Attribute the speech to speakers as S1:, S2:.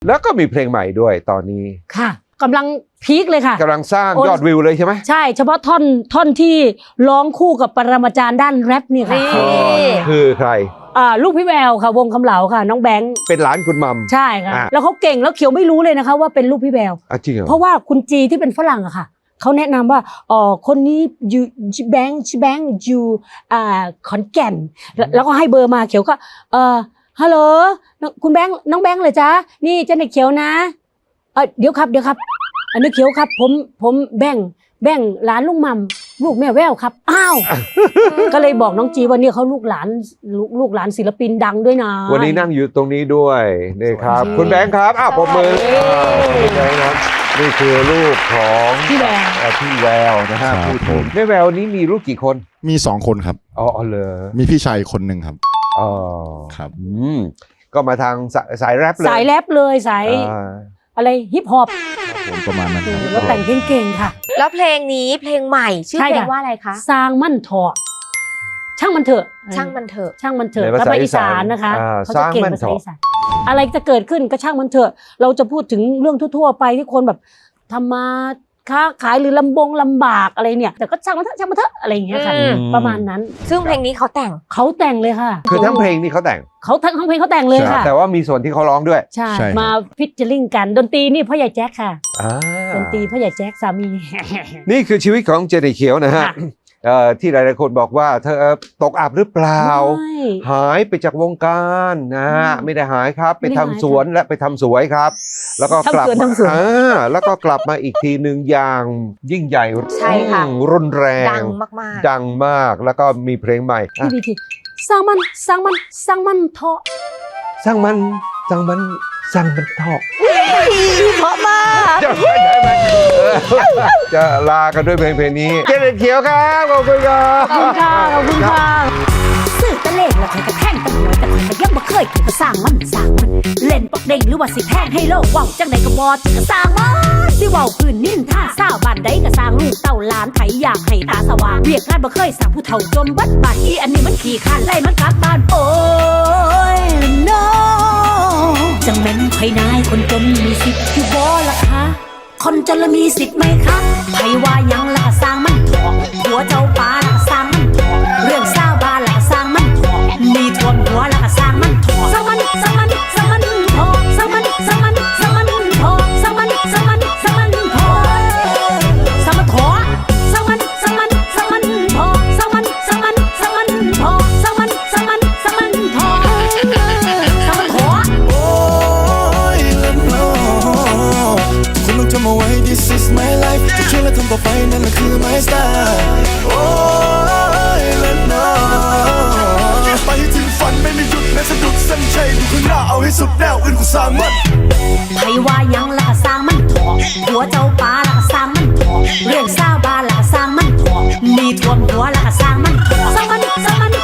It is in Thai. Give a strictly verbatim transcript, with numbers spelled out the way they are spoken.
S1: แล้วก็มีเพลงใหม่ด้วยตอนนี้
S2: ค่ะกำลังพีคเลยค่ะ
S1: กำลังสร้างยอดวิวเลยใช่ไหม
S2: ใช่เฉพาะท่อนท่อนที่ร้องคู่กับปรมาจารย์ด้านแรปนี่ค่ะ
S1: คือใคร
S2: อ่าลูกพี่แววค่ะวงคำเหลาค่ะน้องแบงค์
S1: เป็นหลานคุณมัม
S2: ใช่ค่ะแล้วเขาเก่งแล้วเขียวไม่รู้เลยนะคะว่าเป็นลูกพี่แวว
S1: จริงเหรอ
S2: เพราะว่าคุณจีที่เป็นฝรั่งอะค่ะเขาแนะนำว่าอ๋อคนนี้อยู่แบงค์แบงค์อยู่อ่าขอนแก่นแล้วก็ให้เบอร์มาเขียวก็เออฮัลโหลคุณแบงค์น้องแบงค์เลยจ้านี่เจ้าเด็กเขียวนะเออเดี๋ยวครับเดี๋ยวครับอันนี้เขียวครับผมผมแบงค์แบงค์หลานลุงมัมลูกแม่แววครับอ้าวก็เลยบอกน้องจีว่าเนี่ยเขาลูกหลานลูกหลานศิลปินดังด้วยนะ
S1: วันนี้นั่งอยู่ตรงนี้ด้วยนี่ครับคุณแบงค์ครับอ้าวปรบมือคุณแบงค์ครับนี่คือลูกของ
S2: พี่แวว
S1: พี่แววนะฮะพูดถึงแม่แววนี้มีลูกกี่คน
S3: มีสองคนครับ
S1: อ๋อเลย
S3: มีพี่ชายคนหนึ่งครับ
S1: อ๋อ
S3: ครับ
S1: อืมก็มาทางสายแรปเลย
S2: สายแรปเลยสายอะไรฮิปฮอป
S3: ผมประมาณนั้น
S2: แล้วแต่งเก่งๆค่ะ
S4: แล้วเพลงนี้เพลงใหม่ชื่อเพลงว่าอะไรคะ
S2: สร้างมั่นเถาะช่างมันเถอะ
S4: ช่างมันเถอะ
S2: ช่างมันเถอะภาษาอีสานนะคะเขาจะเก่งภาษาอีสานอะไรจะเกิดขึ้นก็ช่างมันเถอะเราจะพูดถึงเรื่องทั่วๆไปที่คนแบบทำมาค้าขายหรือลำบงลำบากอะไรเนี่ยแต่ก็ช่างมันเถอะช่างมันเถอะอะไรอย่างเงี้ยค่ะประมาณนั้น
S4: ซึ่งเพลงนี้เขาแต่ง
S2: เขาแต่งเลยค่ะ
S1: คือทั้งเพลงนี่เขาแต่ง
S2: เขาทั้งทั้งเพลงเขาแต่งเลยค่ะ
S1: แต่ว่ามีส่วนที่เขาร้องด้วย
S2: ใช่มาฟิชเชอริงกันดนตรีนี่พ่อใหญ่แจ็คค่ะดนตรีพ่อใหญ่แจ็คสามี
S1: นี่คือชีวิตของเจเนเขียวนะฮะที่หลายๆคนบอกว่าเธอตกอับหรือเปล่าหายไปจากวงการนะฮะไม่ได้หายครับไปทำสวนและไปทำสวยครับแล้วก็กลับมาอ่าแล้วก็กลับมาอีกทีหนึ่งอย่างยิ่งใหญ่รุนแรง
S4: ดังมาก
S1: ๆดังมากแล้วก็มีเพลงใหม่
S2: สร้างมันสร้างมันสร้างมันเถาะ
S1: สร้างมันสร้างมันสร้างมันเถาะ
S4: เพราะมาก
S1: จะจะลากันด้วยเพลงเพลงนี้เจเน็ตเขียวครับขอบคุณครับ
S2: ขอบคุณค่ะขอบคุณค่ะสื่อตะเลกแล้วใครกระแทงตะหวยแต่ใครยังบ่เคยก็สร้างมันสร้างมันเล่นปักเด้งหรือว่าสิแทงให้โลกว่าวจังไหนก็บอจะก็สร้างมันสิว่าวพื้นนิ่นท่าสาวบ้านใดก็สร้างลูกเต้าล้านไถอยากให้ตาสว่างเวียกงานบ่เคยสร้างผู้เฒ่าจมบัดบาดอีอันนี้มันขี้ข้านไล่มันกลับบ้านโอ้ยน้องจังแม่นไผนายคนจนมีสิทธิ์อยู่บ่ล่ะคะคนจนละมีสิทธิ์ไหมคะไผว่ายังละก็สร้างมันถอกหัวเจ้าป่าละก็สร้างมันถอกเรื่องสาวบ้านละก็สร้างมันถอกมีท่วมหัวละก็สร้างมันถอกสร้างมันสร้างมันสร้างมันถอกสร้างมันสร้างมันสร้างมันถอกสร้างมันสร้างมันสร้างมันถอกสร้างมันถอกสร้างมันสร้างมันสร้างมันถอกสร้างมันสร้างมันสร้างมันถอกสร้างมันสร้างมันสร้างมันถอกสร้างมันถอก
S5: โอ้ยละน้องคุณต้องจำเอาไว้ this is my life จะเชื่อและทำต่อไปนั่นแหละคือ my style โอ้ยละน้องไปถึงฝันไม่มีหยุดแม้สะดุดเส้นชัยดูข้างหน้าเอาให้สุดแนวอื่นกูสร้างมัน
S2: ไผว่ายังละก็สร้างมันถอกหัวเจ้าป่าละก็สร้างมันถอกเรื่องสาวบ้านละก็สร้างมันถอกมีท่วมหัวละก็สร้างมันถอกสร้างมันสร้างมัน